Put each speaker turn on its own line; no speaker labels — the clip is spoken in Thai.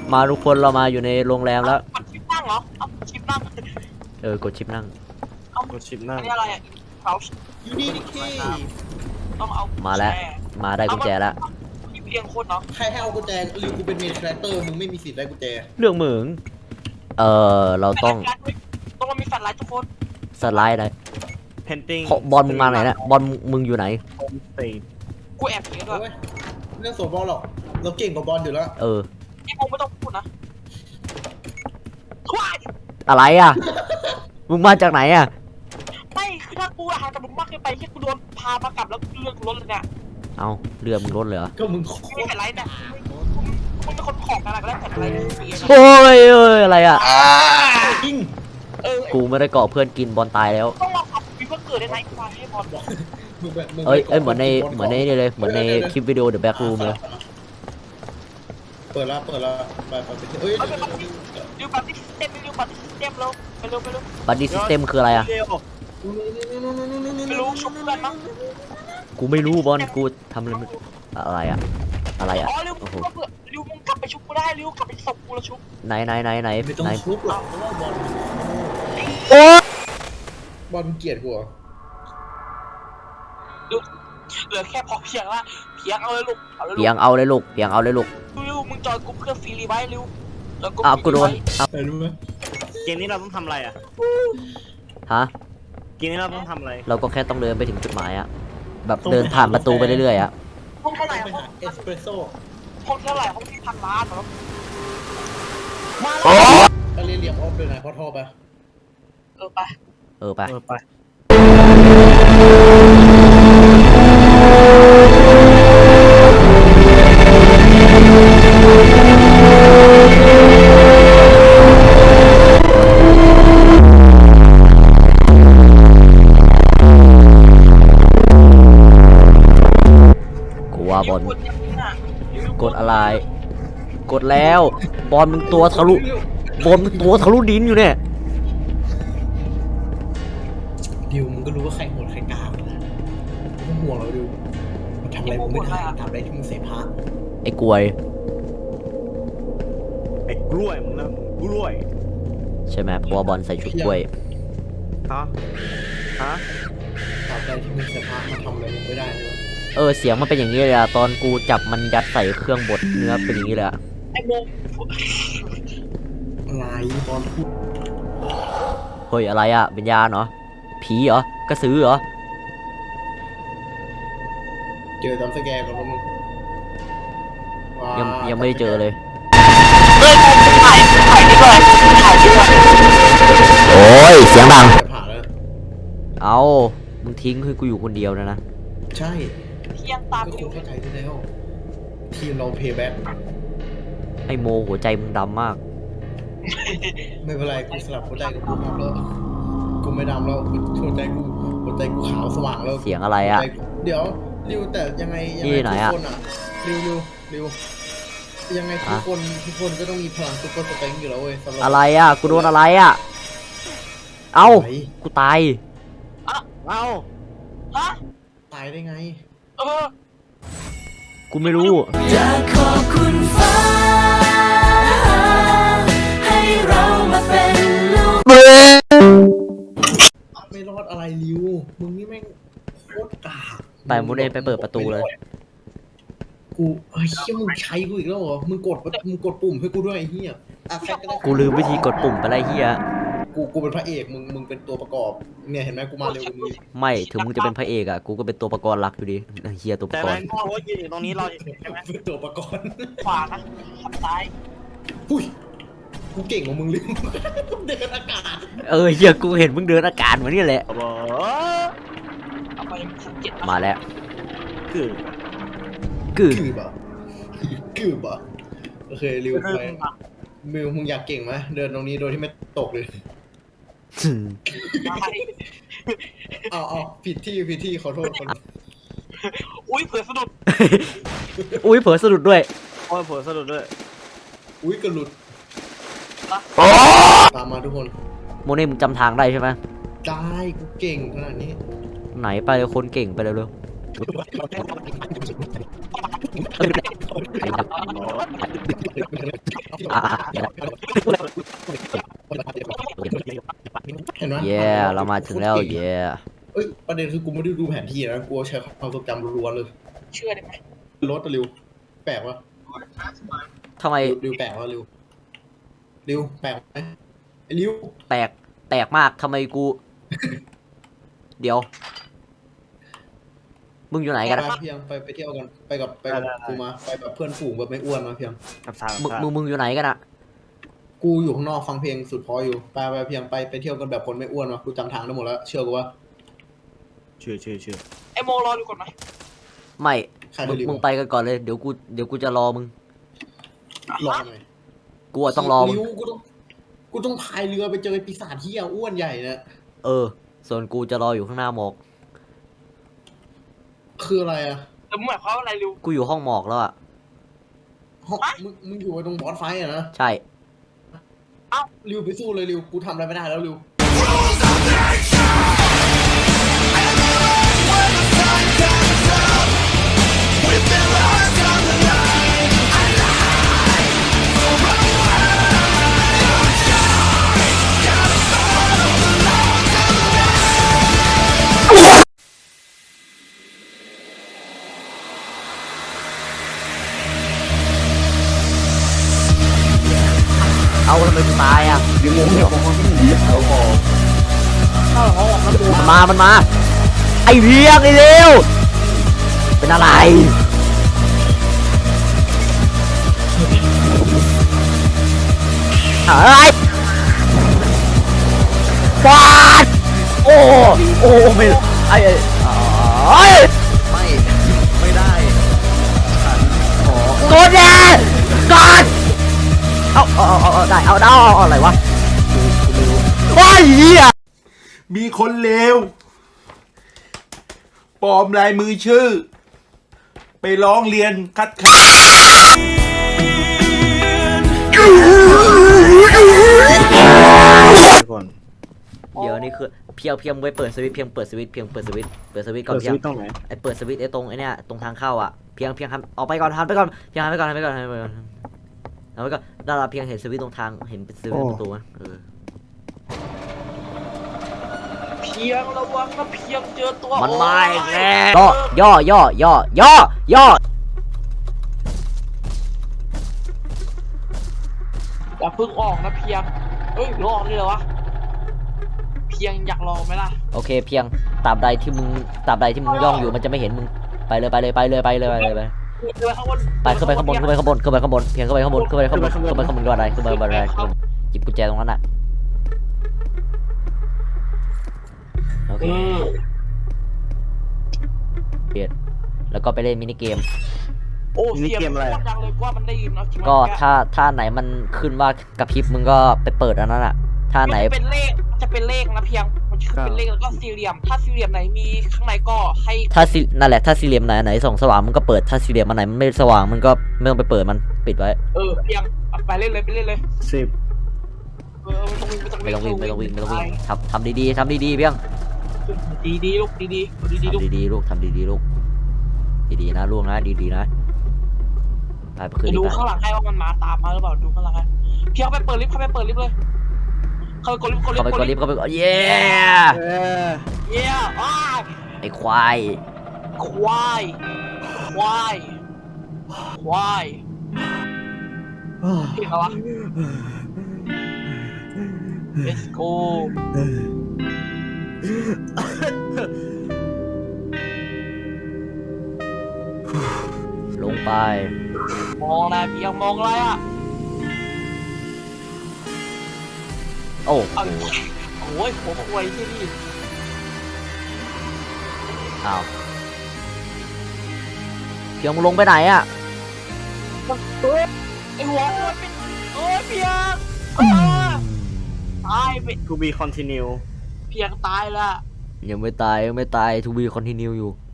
มาทุกคนเรามาอยู่ในโรงแรมแล้ว
กดชิปนั่งเหรอเอากดชิปนั่ง
กดชิปนั่ง
กดชิปนั่ง
อันนี้อะไรอ่ะเขา
อยู่นี่ดิคี
ต้องเอา
มาแล้วมาได้กุญแจแล้ว
มีเพียงคนเนาะ
ใครให้เอากุญแจหรือกูเป็นเมนคาแรคเตอร์มึงไม่มีสิทธิ์ได้กุญแจ
เรื่องเหมืองเราต้อง
มันมีแฟลชไลท์ทุกคน
สไลด์ได้
เพนติ้ง
บอลมึงมาไหนนะบอลมึงอยู่ไหน
กูแอบเพียงด้วย
เรื่องโซบอลหรอกเราเก่งกว่าบอลอยู่แล้ว
นี่มึงไม่ต้องพูดนะ
อะไรอ่ะมึงมาจากไหนอ่ะ
ไม่คือถ้ากูห่างจากมึงมากเกินไปที่กูโดนพามากลับแล้วเรื่องรถเลยเนี่ย
เอาเรือมึงรถเลยเหรอ
ก็มึง
ไม่แฟลชไลท์เนี่ยมึงเป็นคนของอะไรก็แล้วแฟลชไลท์
โอ้ยอะไรอ่ะ
จริง
กูไม่ได้เกาะเพื่อนกินบอลตายแล้ว
ต้องมาขับวิวเกิดได้ไหมกูมาให้บอล
เหมือนในนี่เลยเหมือนในคลิปวิดีโอ The Back Room เลย
เปิดละไปเฮ้ย
ดูบัตรซิสเต็มดูบัตรซิสเต็มแล้วไปเร็ว
บัตรซิสเต็มคืออะไรอ่ะ
ไม่รู้ชุบเพื่อนมั้ง
กูไม่รู้บอลกูทำอะไรอ่ะ
อ๋อเร็วมึงกลับไปชุบกูได้เร็วกลับไปศพกูแล้วชุบ
ไหน
ไม่ต้องชุบหรอกเพราะว่าบอลบอลเกลียดกู
เหลือแค่พอเพียงละเพียงเอาเลยลูก
เพียงเอาเลยลูก
ริวมึงจอยกูเพื่อฟรีไว้ริวแล้ว
กูโดน
รู้ไหม
เกมนี้เราต้องทำอะไรอ่ะ
ฮะ
เกมนี้เราต้องทำอะไร
เราก็แค่ต้องเดินไปถึงจุดหมายอ่ะแบบเดินผ่านประตูไปเรื่อยๆอ่ะ
ห้องเท่าไหร่
เอสเปรสโซ่
ห้องเท่าไหร่ห้องที่1,000 ล้านเหรอ
มาเรียบออฟเลยนะพอทอไป
ไป
บอลกดอะไรกดแล้วบอลมึงตัวทะลุดินอยู่เนี่ย
ดิวมึงก็รู้ว่าใครโหดใครกล้านะมึงห่วงเราดิวมันทำอะไรมึงไม่ได้ทำอะไรที่มึงเสพะ
ไอ้กล้วย
มึงนะกล้วย
ใช่ไหมเพราะว่าบอลใส่ชุดกล้วย
ฮะ
ทำอะไรที่มึงเสพะมาทำอะไรมึงไม่ได้เลย
เสียงมันเป็นอย่างนี้เลยอะตอนกูจับมันยัดใส่เครื่องบดเนื้อเป็นอย่างนี้เลยอะ
ไอ้โม
อะไรบอล
เฮ้ยอะไรอะวิญญาณเหรอผีเหรอกระสือเหรอ
เจอตามสแกนก่อนมึง
ยังไม่ได้เจอเลย
ถ่ายดีกว่า
โอ้ยเสียงดังเอามึงทิ้งให้กูอยู่คนเดียวนะ
ใช่
เพียงตาม
ก็เข้าใจได้แล้วทีมเราเพย์แบ็ค
ไอโมหัวใจมึงดำมาก
ไม่เป็นไรกูสลับหัวใจกับกูดำแล้วกูไม่ดำแล้วหัวใจกูขาวสว่างแล้ว
เสียงอะไรอ่ะ
เดี๋ยวริวแต่ยังไงทุกคนอ่ะริวยังไงทุกคนก็ต้องมีพลังซุปเปอร์สเต็งอยู่แล้วเว้ย
อะไรอ่ะกูโดนอะไรอ่ะเอ้ากูตาย
เอ้า
ฮะ
ตายได้ไง
กูไม่รู้
อยากขอบคุณฟ้าให้เรามาเป็นลูก
ไม่รอดอะไรริวมึงนี่แม่งโคตรกาก
ไปมูเดนไปเปิดประตูเลย
กูเฮ้ยมึงใช้กูอีกแล้วเหรอมึงกดปุ่มให้กูด้วยไอ้เหี้ย
กูลืมวิธีกดปุ่มไปไรเหี้ย
กูเป็นพระเอกมึงเป็นตัวประกอบเนี่ยเห็นไหมกูมาเร็วมึง
ไม่ถึงมึงจะเป็นพระเอกอ่ะกูก็เป็นตัวประกอบรักอยู่ดีเฮียตัวประกอบแต่
พ่อว่ายืนอยู่ตรงนี้เราใช่ไหม
เป็นตัวประกอบ
ขวานะขับซ้าย
หุ้ยกูเก่งกว่ามึงเลยเดินอากาศ
เฮียกูเห็นมึงเดินอากาศมานี่แหละมาแล้ว
กือบ่โอเคริวไปมิวมึงอยากเก่งไหมเดินตรงนี้โดยที่ไม่ตกเลยเอาผิดที่ขอโทษคน
อุ้ยเผลอสะดุด
ด้วย
อุ้ยกระหลุดตามมาทุกคน
โมเน่มึงจำทางได้ใช่ไหม
ได้กูเก่งขนาดนี้
ไหนไปคนเก่งไปเร็ว
เห็นไหม
เย่เรามาถึงแล้วเย่
เอ้ยประเด็นคือกูไม่ได้ดูแผนที่นะกูใช้ความทรงจำล้วนๆเลย
เชื่อได้ไหม
รถอะริวแปลกวะ
ทำไม
ริวแปลกวะริวแปลกไหมไอ้ริว
แปลกมากทำไมกู เดี๋ยว มึงอยู่ไหนกันอะ
ไปเพียงไปเที่ยวกันไปกับกูมาไปแบบเพื่อนฝูงแบบไม่อ้วนมาเพียง
กับทาง
มึงอยู่ไหนกันอะ
กูอยู่ข้างนอกฟังเพลงสุดพออยู่ไปเพียงไปเที่ยวกันแบบคนไม่อ้วนมากูจำทางได้หมดแล้วเชื่อกูว่า
เชื่อ
ไอโมรอดูก่อนไหม
ไม่
ใครริว
มึงไปกันก่อนเลยเดี๋ยวกูจะรอมึง
รอหน่อย
กูอะต้องรอมึง
ริวกูต้องพายเรือไปเจอไอ้ปีศาจที่อ้วนใหญ่นะ
ส่วนกูจะรออยู่ข้างหน้าหมอก
คืออะไรอะ
แต่มึงหมายความว่าอะไรริว
กูอยู่ห้องหมอกแล้วอะ
มึงอยู่ตรงบอสไฟอะนะ
ใช่
ริวไปสู้เลยริวกูทำอะไรไม่ได้แล้วริว
เอาทำไมกูตายอะมันมา ไอเพียงไอเร็วเป็นอะไรอะไรฟาดโอ้ไม่ไอ้
ไม่ได้ฉันขอก
ดแน่กดเอาได้เอาอะไรวะโอ้ยเหี้ย
มีคนเลวปลอมลายมือชื่อ ไปร้องเรียนคัดค้าน
ทุกคน
เดี๋ยวนี่คือเพียงไว้เปิดสวิตช์เพียงเปิดสวิตช์ก่อน
เปิด
เพียง
สวิตช์ตรงไหน
ไอเปิดสวิตช์ไอตรงไอเนี้ยตรงทางเข้าอ่ะเพียงหันออกไปก่อนหันไปก่อนเพียงหันไปก่อนดาราเพียงเห็นสวิตช์ตรงทางเห็นเป็นสวิตช์ประตูไหม
เพียงระวังนะเพียงเจอตัว
มันมาอีก
โ
แล้วย่อ
อย่าเพิ่งออกนะเพียงเอ้ยรอเลยเหรอวะเพียงอยากลองไหมล่ะ
โอเคเพียงตราบใดที่มึงย่องอยู่มันจะไม่เห็นมึงไปเลย
เดินข้างบน
ไปขึ้นไปข้างบนเพียงขึ้นไปข้างบนก็ได้ขึ้นไปข้างบนได้หยิบกุญแจตรงนั้นอ่ะโอเคเปลี่ยนแล้วก็ไปเล่นมินิเกม
โอ้เสียงมันดังเลยว่ามันได้ยินเนาะ
ก็ถ้าไหนมันขึ้นว่ากระพริบมึงก็ไปเปิดอันนั้นอ่ะถ้าไหน
จะเป็นเลขนะเพียงมันจะเป็นเลขแล้วก็สี่เหลี่ยมถ้าสี่เหลี่ยมไหนมีข้างในก็ให้
นั่นแหละถ้าสี่เหลี่ยมไหนส่องสว่างมันก็เปิดถ้าสี่เหลี่ยมอันไหนมันไม่สว่างมันก็ไม่ต้องไปเปิดมันปิดไว้
เพียงไปเล่นเลย
10
ไม่ต้องวิ่งทำดีๆเพียง
ดีลูกดีลูก
ทำดีๆลูกดีๆนะลูกนะดีๆนะไปคืน
ดู
นี้
ข้างหลังให้ว่ามันมาตามมาหรือเปล่าดูข้างหลังให้เพียงไปเปิดลิฟต์เลยเข้าไปกดลิฟต์
เข้าไปกดเย้
เย้อ้า
ไอ้ควาย
ควายเพียงอะไรวะ Let's go
ลงไป
มองอะไรเพียงมองอะไรอ่ะ
โอ้
โอ้ยผมควยที่นี่
อ้าวเพียงมึงลงไปไหนอ่ะ
ไอหัวมันเป็นเพียงตายไป
to be continue
เพียงตายละ
ยังไม่ตายทูบีคอนติเนียอยู่